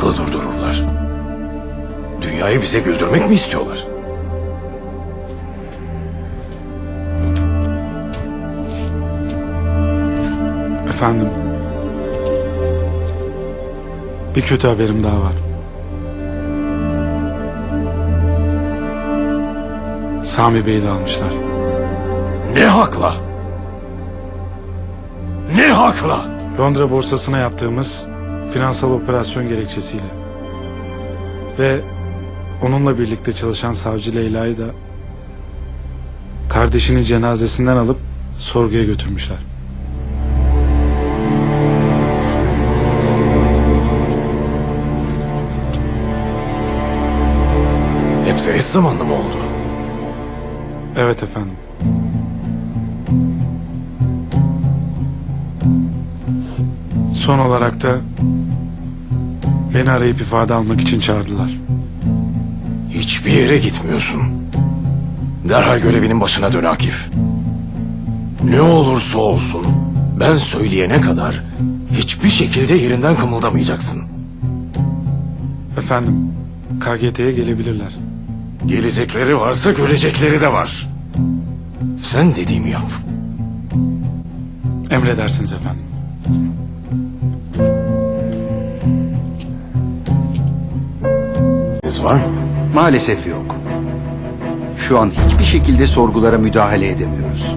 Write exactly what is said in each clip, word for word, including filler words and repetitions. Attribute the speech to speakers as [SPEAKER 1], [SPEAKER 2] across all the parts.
[SPEAKER 1] aklı durdururlar. Dünyayı bize güldürmek mi istiyorlar?
[SPEAKER 2] Efendim, bir kötü haberim daha var. Sami Bey'i de almışlar.
[SPEAKER 1] Ne hakla? Ne hakla?
[SPEAKER 2] Londra borsasına yaptığımız finansal operasyon gerekçesiyle. Ve onunla birlikte çalışan savcı Leyla'yı da kardeşinin cenazesinden alıp sorguya götürmüşler.
[SPEAKER 1] Hepsi eş zamanlı mı oldu?
[SPEAKER 2] Evet efendim. Son olarak da beni arayıp ifade almak için çağırdılar.
[SPEAKER 1] Hiçbir yere gitmiyorsun. Derhal görevinin başına dön Akif. Ne olursa olsun ben söyleyene kadar hiçbir şekilde yerinden kımıldamayacaksın.
[SPEAKER 2] Efendim, K G T'ye gelebilirler.
[SPEAKER 1] Gelecekleri varsa görecekleri de var. Sen dediğimi yap.
[SPEAKER 2] Emredersiniz efendim.
[SPEAKER 1] Var mı?
[SPEAKER 3] Maalesef yok. Şu an hiçbir şekilde sorgulara müdahale edemiyoruz.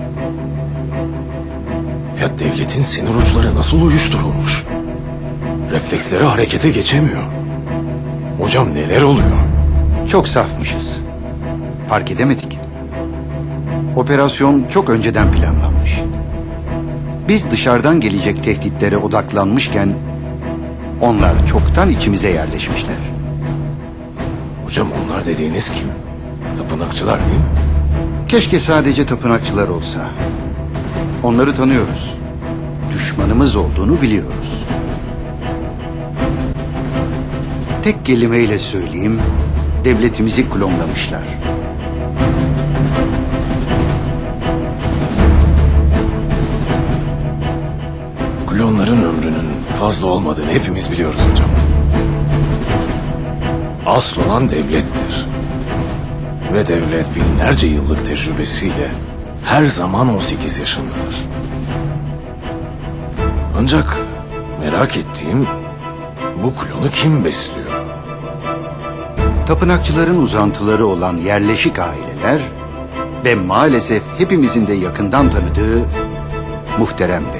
[SPEAKER 1] Ya devletin sinir uçları nasıl uyuşturulmuş? Refleksleri harekete geçemiyor. Hocam neler oluyor?
[SPEAKER 3] Çok safmışız. Fark edemedik. Operasyon çok önceden planlanmış. Biz dışarıdan gelecek tehditlere odaklanmışken onlar çoktan içimize yerleşmişler.
[SPEAKER 1] Hocam onlar dediğiniz kim? Tapınakçılar değil mi?
[SPEAKER 3] Keşke sadece tapınakçılar olsa. Onları tanıyoruz. Düşmanımız olduğunu biliyoruz. Tek kelimeyle söyleyeyim, devletimizi klonlamışlar.
[SPEAKER 1] Klonların ömrünün fazla olmadığını hepimiz biliyoruz hocam. Asıl olan devlettir. Ve devlet binlerce yıllık tecrübesiyle her zaman on sekiz yaşındadır. Ancak merak ettiğim bu klonu kim besliyor?
[SPEAKER 3] Tapınakçıların uzantıları olan yerleşik aileler ve maalesef hepimizin de yakından tanıdığı Muhterem Bey.